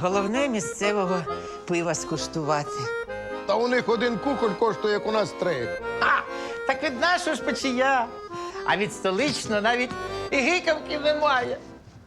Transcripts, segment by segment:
Головне місцевого пива скуштувати. Та у них один кухоль коштує, як у нас 3. А, так від нашого ж печія. А від столичного навіть і гикавки немає.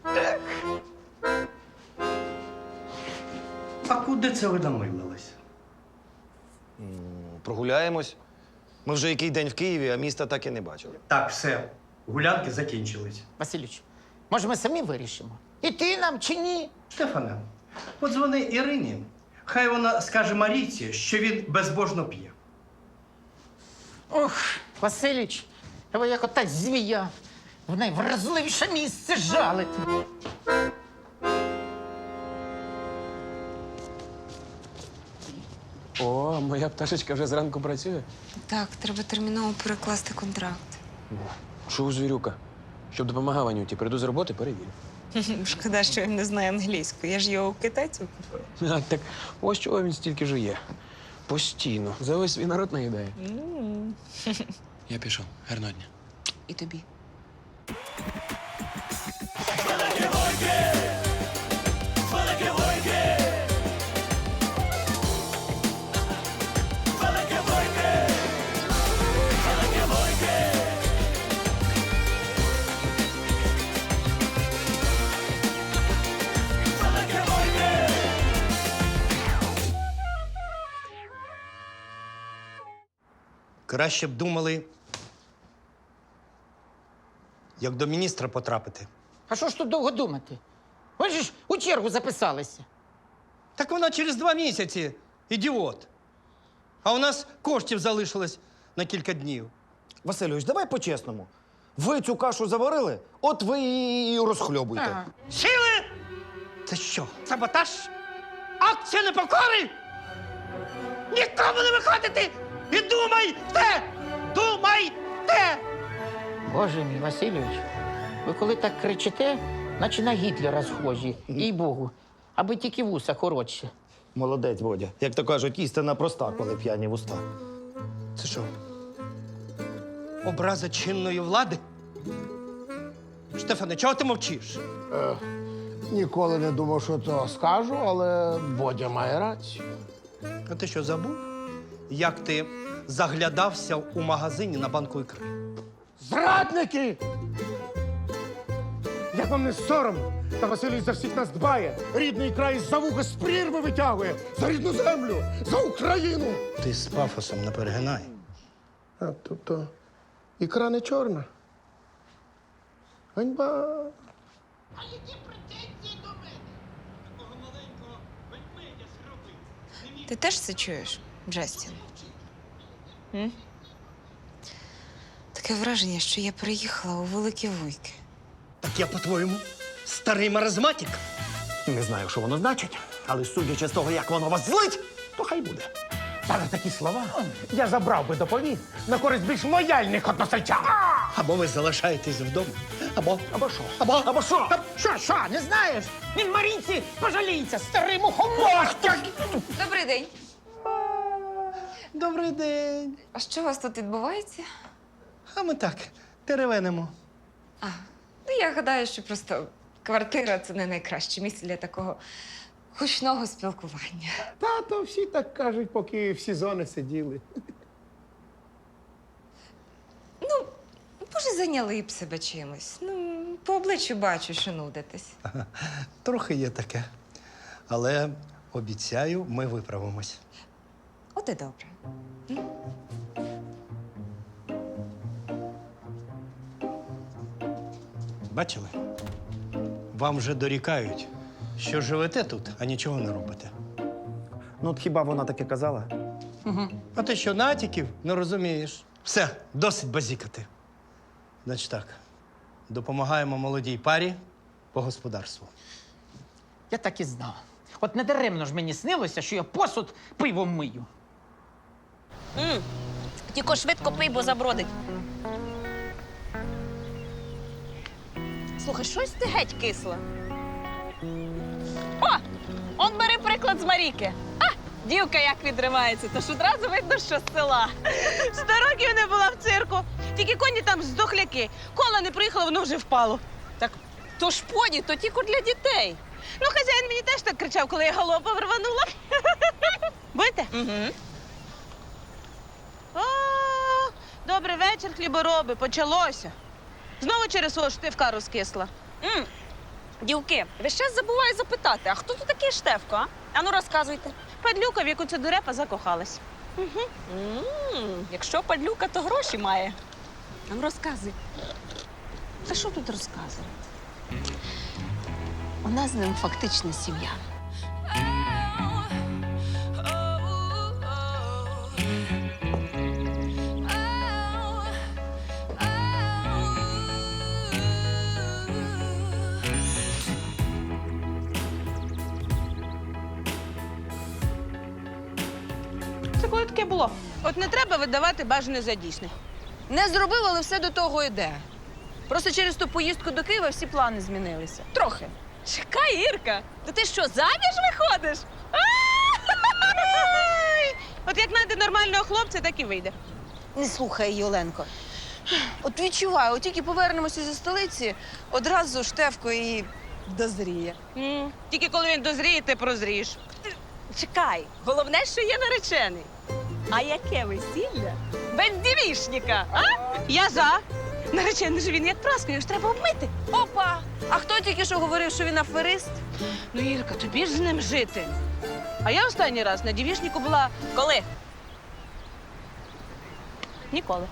А куди це ви намилились? Прогуляємось. Ми вже який день в Києві, а міста так і не бачили. Так, все. Гулянки закінчились. Василюч, може, ми самі вирішимо? Іти нам чи ні? Штефане, подзвони Ірині. Хай вона скаже Марійці, що він безбожно п'є. Ох, Василюч, ви як ота змія. В найвразливіше місце жалити. О, моя пташечка вже зранку працює. Так, треба терміново перекласти контракт. Що у звірюка? Щоб допомагав Анюті, прийду з роботи, перевірю. Шкода, що він не знає англійську. Я ж його у китайців купила. А, так ось чого він стільки жує. Постійно. За весь свій народ наїдає. Я пішов. Гарного дня. І тобі. Краще б думали, як до міністра потрапити. А що ж тут довго думати? Ви ж у чергу записалися. Так вона через 2 місяці, ідіот. А у нас коштів залишилось на кілька днів. Васильович, давай по-чесному. Ви цю кашу заварили, от ви і розхльобуйте. Ага. Сили! Це що, саботаж? Акція непокори? Нікому не виходити! І думайте! Думайте! Боже мій, Васильович, ви коли так кричите, наче на Гітлера схожі, їй-богу, аби тільки вуса коротше. Молодець, Бодя. Як то кажуть, істина проста, коли п'яні вуста. Це що? Образа чинної влади? Штефане, чого ти мовчиш? Ніколи не думав, що то скажу, але Бодя має рацію. А ти що, забув? Як ти заглядався у магазині на банку ікри? Зрадники! Як вам не соромно? Та Василій за всіх нас дбає. Рідний край за вуха з прірви витягує. За рідну землю, за Україну. Ти з пафосом не перегинай. А, тобто, ікра не чорна. Ганьба. Ти теж це чуєш, Джастін? М? Таке враження, що я приїхала у Великі Вуйки. Так я, по-твоєму, старий маразматик? Не знаю, що воно значить, але судячи з того, як воно вас злить, то хай буде. Та за такі слова я забрав би доповідь на користь більш лояльних односельчан. Або ви залишаєтесь вдома, Або що? або що? Що, не знаєш? Він Марійці пожаліється, старий мухомор! Добрий день. Добрий день. А що у вас тут відбувається? А ми так, теревенимо. Ну, я гадаю, що просто квартира – це не найкраще місце для такого гучного спілкування. Тато всі так кажуть, поки в сезони сиділи. Може, зайняли б себе чимось. Ну, по обличчю бачу, що нудитесь. Трохи є таке. Але обіцяю, ми виправимось. От і добре. Бачили? Вам вже дорікають, що живете тут, а нічого не робите. Ну, от хіба вона таке казала? А ти що, натяків не розумієш? Все, досить базікати. Значить так, допомагаємо молодій парі по господарству. Я так і знав. От недаремно ж мені снилося, що я посуд пивом мию. Тільки швидко пий, бо забродить. Слухай, щось ти геть кисла. О! Он бери приклад з Маріки. А, дівка як відривається, тож одразу видно, що з села. 100 років не була в цирку. Тільки коні там здохляки. Кола не приїхала, воно вже впало. Так то ж поні, то тільки для дітей. Ну, хазяїн мені теж так кричав, коли я галопом рванула. Будете? Угу. О, добрий вечір, хлібороби, почалося. Знову через свого штивка розкисла. Дівки, ви ще забуваю запитати, а хто тут такий Штефко, а? Ану, розказуйте. Падлюка, в яку ця дурепа закохалась. Якщо падлюка, то гроші має. Ану, розказуй. Та що тут розказувати? У нас з ним фактично сім'я. Це коли таке було? От не треба видавати бажане за дійсне. Не зробив, але все до того йде. Просто через ту поїздку до Києва всі плани змінилися. Трохи. Чекай, Ірка, то ти що, заміж виходиш? Ай! От як знайде нормального хлопця, так і вийде. Не слухай її, Оленко. От відчуваю, от тільки повернемося зі столиці, одразу Штефко і дозріє. Тільки коли він дозріє, ти прозрієш. Чекай, головне, що є наречений. А яке весілля? Без дівішника, а? Я за. Наречений же він як праска, його ж треба обмити. Опа! А хто тільки що говорив, що він аферист? Ну, Ірка, тобі ж з ним жити. А я останній раз на дівішнику була Коли? ніколи.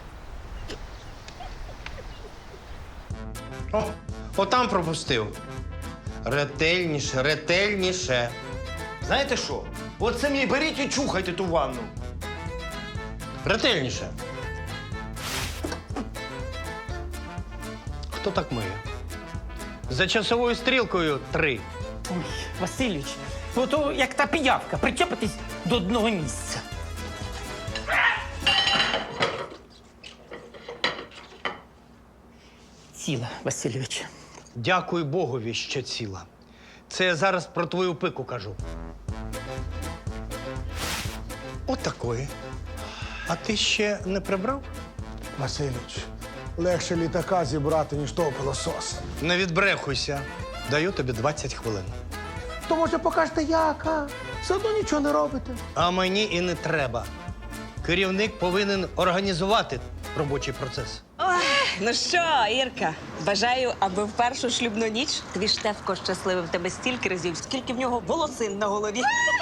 О, отам пропустив. Ретельніше, ретельніше. Знаєте що? От самі беріть і чухайте ту ванну. Ретельніше. Хто так миє? За часовою стрілкою 3. Ой, Васильович, ото як та піявка, причепитись до одного місця. Ціла, Васильович. Дякуй Богові, що ціла. Це я зараз про твою пику кажу. Отакої. А ти ще не прибрав? Васильович, легше літака зібрати, ніж того пилососа. Не відбрехуйся. Даю тобі 20 хвилин. То може покажете як, а? Все одно нічого не робите. А мені і не треба. Керівник повинен організувати робочий процес. Ну що, Ірка, бажаю, аби в першу шлюбну ніч твій Штефко щасливив тебе стільки разів, скільки в нього волосин на голові.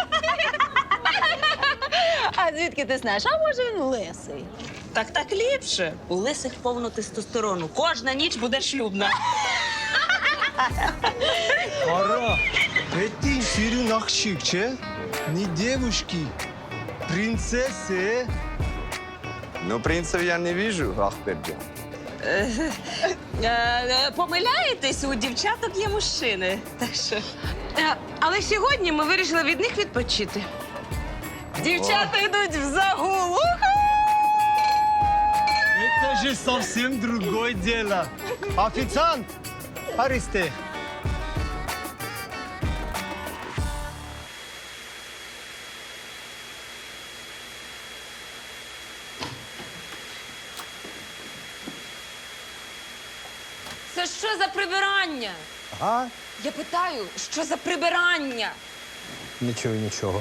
А звідки ти знаєш? А може він лисий? Так ліпше. У лисих повно тестостерону. Кожна ніч буде шлюбна. Ара, это сирен ахшикче, не девушки, принцессы. Ну, принцев я не вижу, Ахберджан. Помиляєтесь, у дівчаток є мужчини. Так що Але сьогодні ми вирішили від них відпочити. дівчата йдуть в загул. Это же совсем другое дело. Официант, Аристе. Це що за прибирання? А? Я питаю, що за прибирання? Нічого, нічого.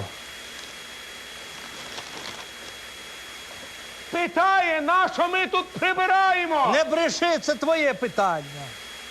Питає, на що ми тут прибираємо? Не бреши, це твоє питання.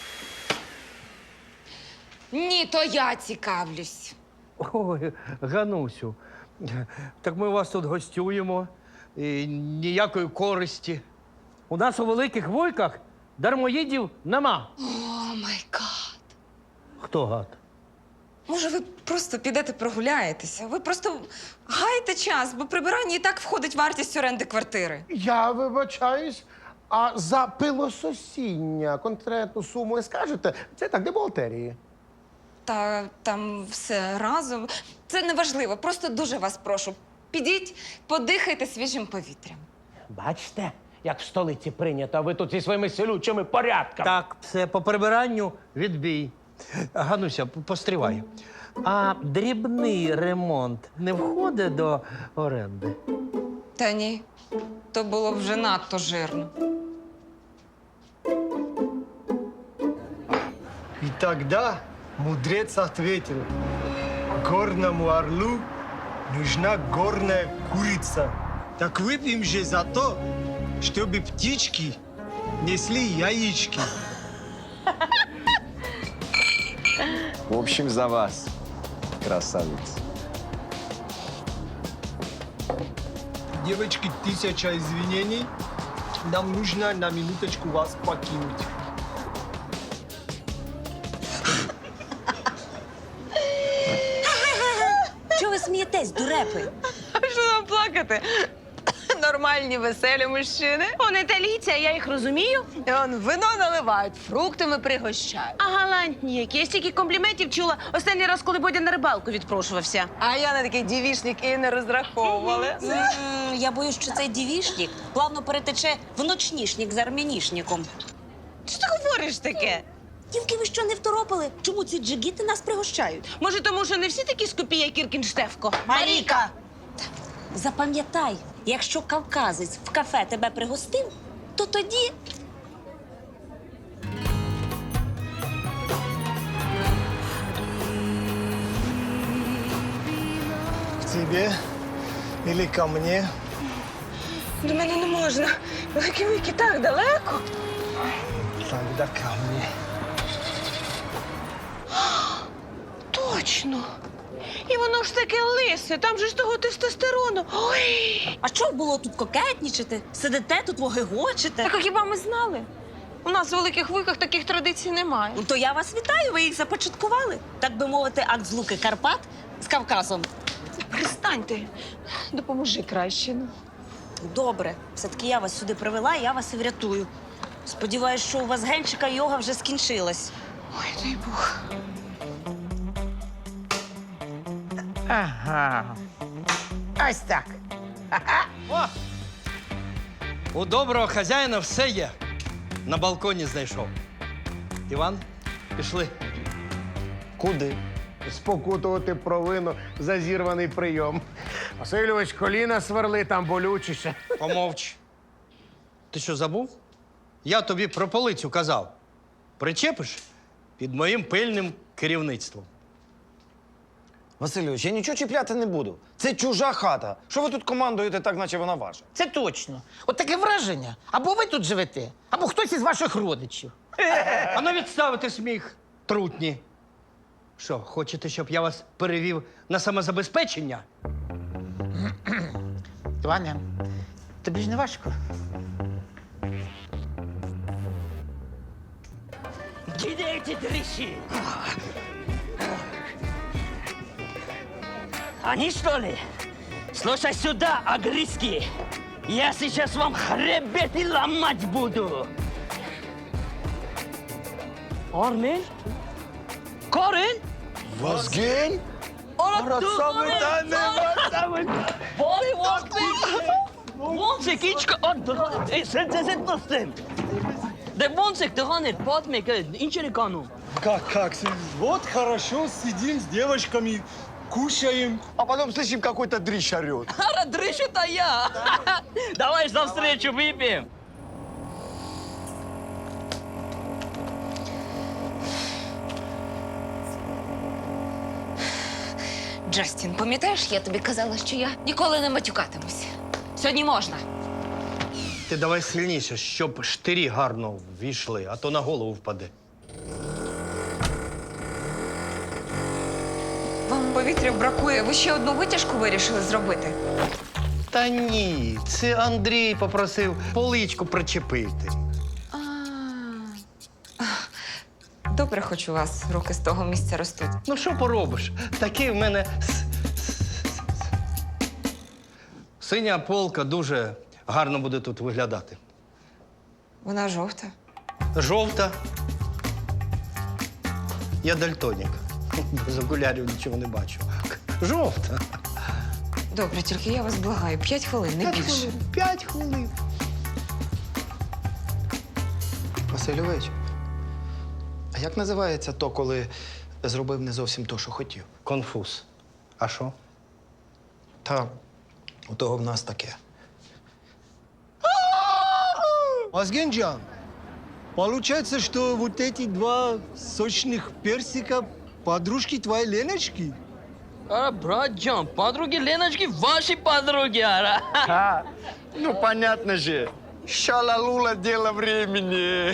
Ні, то я цікавлюсь. Ой, Ганусю, так ми у вас тут гостюємо. І ніякої користі. У нас у Великих Вуйках дармоїдів нема. О, май гад. Хто гад? Може, ви просто підете прогуляєтеся? Ви просто гайте час, бо прибирання і так входить вартість оренди квартири. Я вибачаюсь, а за пилососіння конкретну суму не скажете? Це так, де бухгалтерії. Та там все разом. Це не важливо, просто дуже вас прошу. Підіть, подихайте свіжим повітрям. Бачите, як в столиці прийнято, а ви тут зі своїми селючими порядками. Так, все, по прибиранню відбій. Гануся, постривай. А дрібний ремонт не входить до оренди? Та ні, то було б вже надто жирно. И тогда Мудрец ответил, горному орлу нужна горная курица. Так выпьем же за то, чтобы птички несли яички. В общем, за вас, красавец. Девочки, 1000 извинений. Нам нужно на минуточку вас покинуть. Чого ви смієтесь, дурепи? Що нам плакати? Нормальні, веселі мужчини. Он італійці, а я їх розумію. І он вино наливають, фруктами пригощають. А галантні які. Я стільки компліментів чула останній раз, коли Бодя на рибалку відпрошувався. А я на такий дівішник і не розраховувала. Я боюсь, що цей дівішник плавно перетече в ночнішник з армянішником. Що ти говориш таке? Дівки, ви що, не второпали? Чому ці джигіти нас пригощають? Може, тому що не всі такі скупі, як Кіркін Штефко? Маріка! Запам'ятай, якщо кавказець в кафе тебе пригостив, то тоді К тебе или ко мне? До мене не можна. Великі вики так далеко. Тогда ко мне. Точно. І воно ж таке лисе, там же ж того тестостерону. Ой! А що було тут кокетнічити? Сидите тут, вогегочите? Так а хіба ми знали? У нас в великих вуйках таких традицій немає. Ну, то я вас вітаю, ви їх започаткували. Так би мовити, акт злуки Карпат з Кавказом. Перестаньте. Допоможи краще. Ну. Добре, все-таки я вас сюди привела, і я вас і врятую. Сподіваюсь, що у вас генчика йога вже скінчилась. Ой, дай Бог. Ага. Ось так. У доброго хазяїна все є. На балконі знайшов. Іван, пішли. Куди? Спокутувати провину за зірваний прийом. Васильович, коліна сверли, там болючіше. Помовч. Ти що, забув? Я тобі про полицю казав. Причепиш під моїм пильним керівництвом. Васильович, я нічого чіпляти не буду. Це чужа хата. Що ви тут командуєте так, наче вона ваша? Це точно. От таке враження. Або ви тут живете, або хтось із ваших родичів. А ну відставити сміх, трутні. Що, хочете, щоб я вас перевів на самозабезпечення? Ваня, тобі ж не важко? Где эти дрищи? Они что ли? Слушай сюда, агриски. Я сейчас вам хребет и ломать буду. Армен? Карен? Возгень? Bari vakti. Vonzek içki addıran. Sen dostum. De vonzek dıhanır. Patmek. İnçeri kanu. Как? Вот хорошо, сидим с девочками, кушаем. А потом слышим, какой-то дрищ орет. Ара дрыщу-то я. Давай за встречу выпьем. Джастін, пам'ятаєш, я тобі казала, що я ніколи не матюкатимусь. Сьогодні можна. Ти давай сильніше, щоб штирі гарно ввійшли, а то на голову впаде. Вам повітря бракує. Ви ще одну витяжку вирішили зробити? Та ні, це Андрій попросив поличку причепити. Добре, хоч у вас руки з того місця ростуть. Ну що поробиш? Такий в мене синя полка дуже гарно буде тут виглядати. Вона жовта. Жовта. Я дальтонік. Без окулярів нічого не бачу. Жовта. Добре, тільки я вас благаю. 5 хвилин, не більше. 5 хвилин. Васильович, а як називається то, коли зробив не зовсім то, що хотів? Конфуз. А що? Та у того в нас таке. Возгенджан, получается, что вот эти два сочных персика Подружки твоей Леночки? Ара, братджан, подруги Леночки ваши подруги, ара. Ну, понятно же. Шалалула дело времени.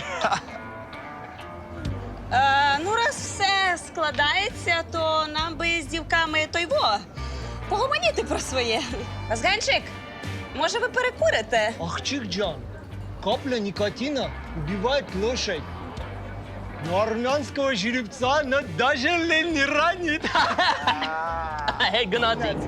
Ну, раз все складається, то нам би з дівками погомоніти про своє. Вазганчик, може ви перекурите? Ахчикджан, капля никотина убивает лошадь. Но армянского жеребца она даже лень не ранит. Эй, гнатик.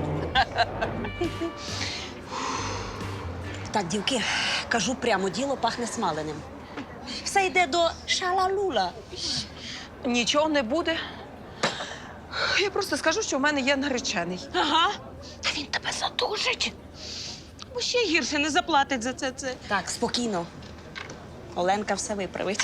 Так, дівки, кажу прямо, діло пахне смаленим. Все йде до шалалула. Нічого не буде. Я просто скажу, що в мене є наречений. Ага. Та він тебе задушить. Бо ще гірше не заплатить за це. Так, спокійно. Оленка все виправить.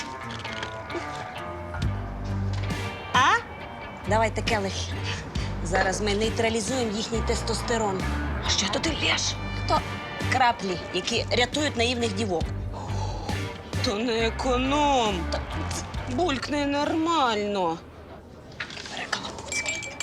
А? Давайте келих. Зараз ми нейтралізуємо їхній тестостерон. А що то ти лєш? То краплі, які рятують наївних дівок. То не економ. Булькне нормально. Перекалапуцький.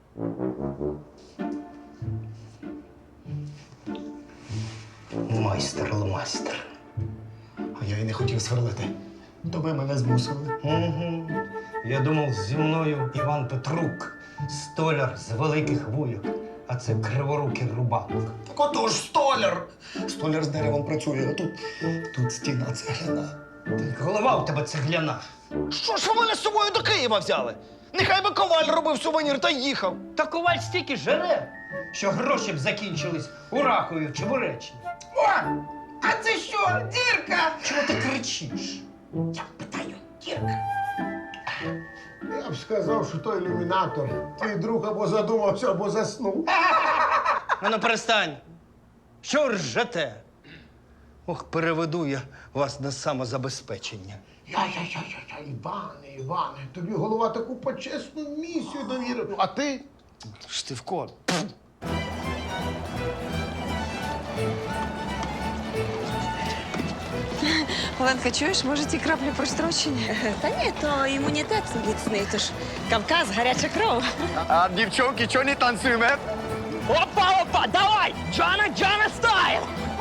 Майстер. А я й не хотів сверлити. То ви мене змусили. Угу. Я думав, зі мною Іван Петрук, столяр з великих вуйок, а це криворукий рубанок. Так отож, столяр! Столяр з деревом працює, а тут стіна цегляна. Голова у тебе цегляна. Що ж ви мене з собою до Києва взяли? Нехай би коваль робив сувенір та їхав. Та коваль стільки жере, що гроші б закінчились у Рахові чи в Уреччині. О! А це що, дірка? Чого ти кричиш? Я питаю, дірка. Я б сказав, що той ілюмінатор. Твій друг або задумався, або заснув. Ну, перестань. Що ви ржете? Ох, переведу я вас на самозабезпечення. Іване, тобі голова таку почесну місію довірив. А ти? Штивко. Оленка, чуєш, може ті краплі прострочені? Та ні, то імунітет міцний, тож Кавказ, гаряча кров. А девчонки, что не танцуем, э? Опа, опа, давай! Джана стайл!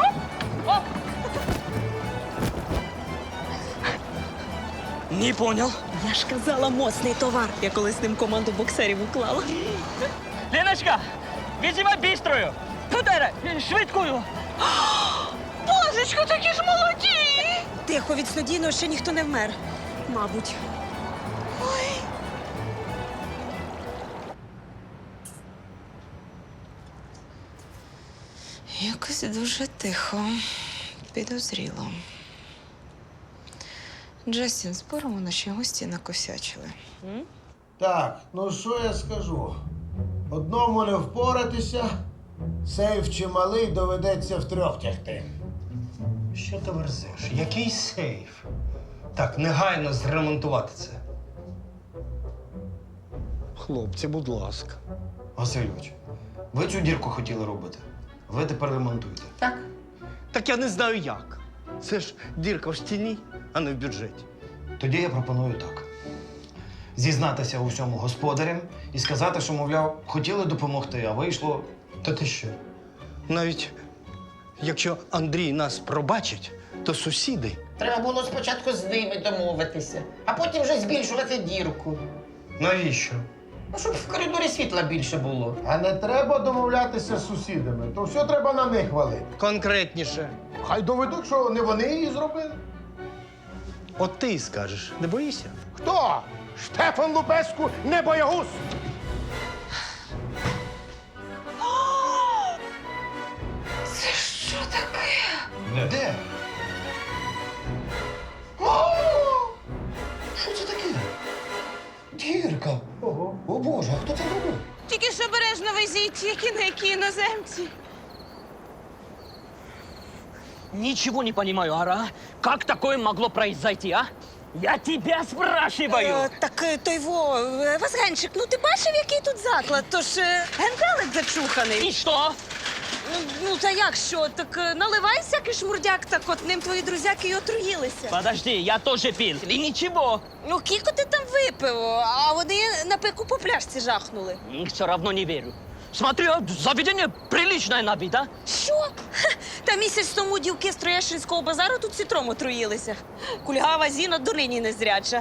Не понял. Я ж казала, моцний товар. Я колись з ним команду боксерів уклала. Леночка, визывай быструю! Куда? Швидкую! Божечко, такі ж молоді! Тихо, від снодійного ще ніхто не вмер. Мабуть. Якось дуже тихо, підозріло. Джастін, споримо, наші гості накосячили. Так, ну що я скажу? Одному не впоратися, сейф чималий, доведеться втрьох тягти. Що ти верзеш? Який сейф? Так, негайно зремонтувати це. Хлопці, будь ласка. Васильович, ви цю дірку хотіли робити. Ви тепер ремонтуйте. Так. Так я не знаю як. Це ж дірка в стіні, а не в бюджеті. Тоді я пропоную так: зізнатися у всьому господарям і сказати, що, мовляв, хотіли допомогти, а вийшло. Та ти що? Навіть якщо Андрій нас пробачить, то сусіди. Треба було спочатку з ними домовитися, а потім вже збільшувати дірку. Навіщо? Ну, щоб в коридорі світла більше було. А не треба домовлятися з сусідами, то все треба на них валити. Конкретніше. Хай доведуть, що не вони її зробили. От ти й скажеш, не боїшся? Хто? Штефан Лупеску, не боягуз! Це що таке? Де? Що це таке? Дірка. Ого. О Боже, а хто це робив? Тільки ж обережно везіть, які іноземці. Ничего не понимаю, Ара. Как такое могло произойти, а? Я тебя спрашиваю! Так Вазганчик, ну ти бачив, який тут заклад? Тож генделик зачуханий. И что? Ну, та як що? Так наливай всякий шмурдяк, так от ним твої друзяки й отруїлися. Подожди, я тоже пил. И ничего. Ну, кілько ти там випив, а вони на пику по пляшці жахнули. Все равно не верю. Смотри, а заведение приличное на вид, а? Що? Ха, та місяць тому дівки з Троєщинського базару тут цитром отруїлися. Кульгава Зіна донині незряча.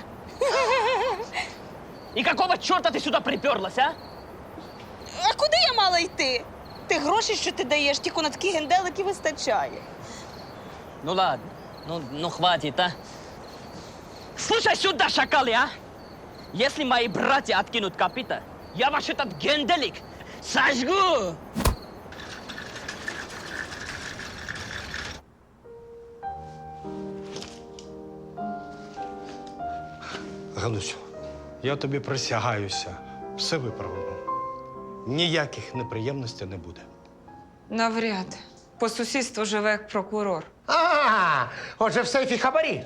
И какого черта ты сюда приперлась, а? А куди я мала йти? Ти гроші, що ти даєш, тільки на такі генделики вистачає. Ну ладно, ну хватит, а? Слушай сюда, шакалы, а! Если мои братья откинут копыта, я ваш этот генделик сожгу! Ганусю, я тобі присягаюся, все виправимо. Ніяких неприємностей не буде. Навряд. По сусідству живе як прокурор. Отже, в сейфі хабарі.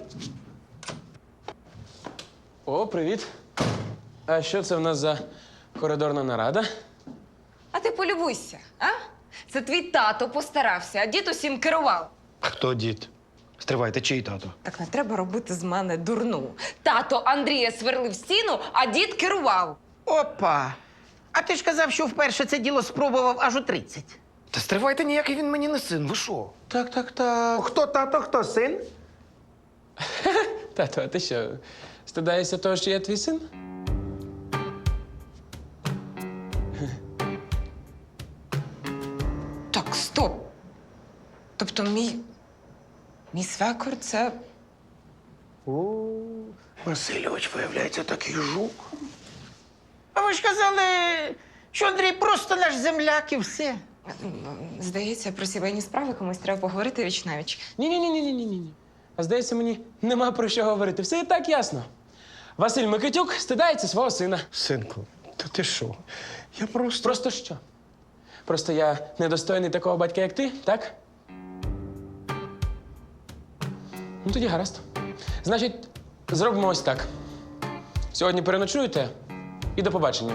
О, привіт. А що це в нас за коридорна нарада? А ти полюбуйся, а? Це твій тато постарався, а дід усім керував. Хто дід? Стривайте, чий тато? Так не треба робити з мене дурну. Тато Андрія сверлив стіну, а дід керував. Опа. А ти ж казав, що вперше це діло спробував аж у 30. Та стривайте, ніякий він мені не син, ви що? Так. Хто тато, хто син? Тато, а ти що, стидаєшся того, що я твій син? Так, стоп. Тобто мій свекор це. Васильович, виявляється, такий жук. А ви ж казали, що Андрій просто наш земляк і все. Здається, про сімейні справи комусь треба поговорити віч-навіч. Ні. А здається, мені нема про що говорити. Все і так ясно. Василь Микитюк стидається свого сина. Синку, та ти що? Я просто... Просто що? Просто я недостойний такого батька, як ти, так? Ну, тоді гаразд. Значить, зробимо ось так. Сьогодні переночуєте і до побачення.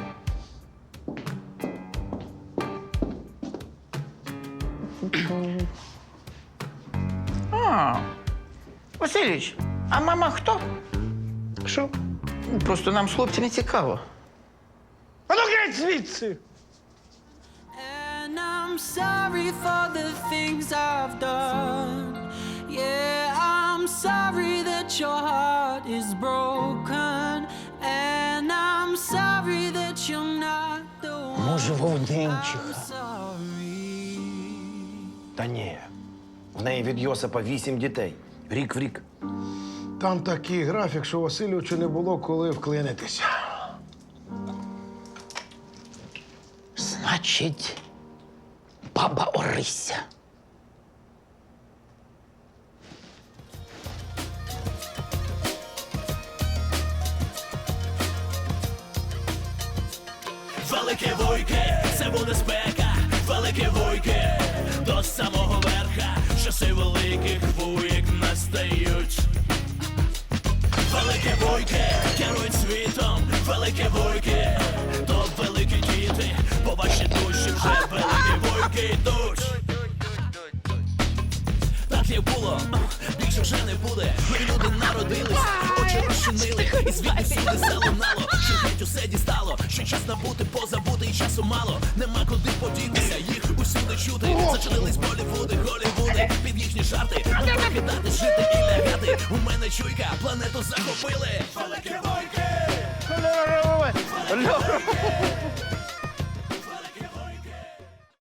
Васильович, а мама хто? Що? Просто нам з хлопці не цікаво. А ну геть звідси! And I'm sorry for the things I've done. Yeah, I'm sorry that your heart is broken. And I'm sorry that you're not the one. Може, Вовненчиха. Sorry. Та ні. В неї від Йосипа 8 дітей. Рік в рік. Там такий графік, що Васильовичу не було коли вклинитися. Значить, баба Орися. Велике вуйки, це буде спека, велике вуйки, до самого верха, часи великих вуйк настають. Велике вуйки, керують світом, велике вуйки, то великі діти, по вашій душі вже великі вуйки йдуть. Так як було, більше вже не буде. Нові люди народились, очі розчинили, і звідти всюди залунало, що геть усе дістало, що час набути, позабути, і часу мало. Нема куди подітися, їх усюди чути. Зачинились Болівуди, Голівуди, під їхні жарти. Не покидати, жити і лягати. У мене чуйка, планету захопили. Великі вуйки!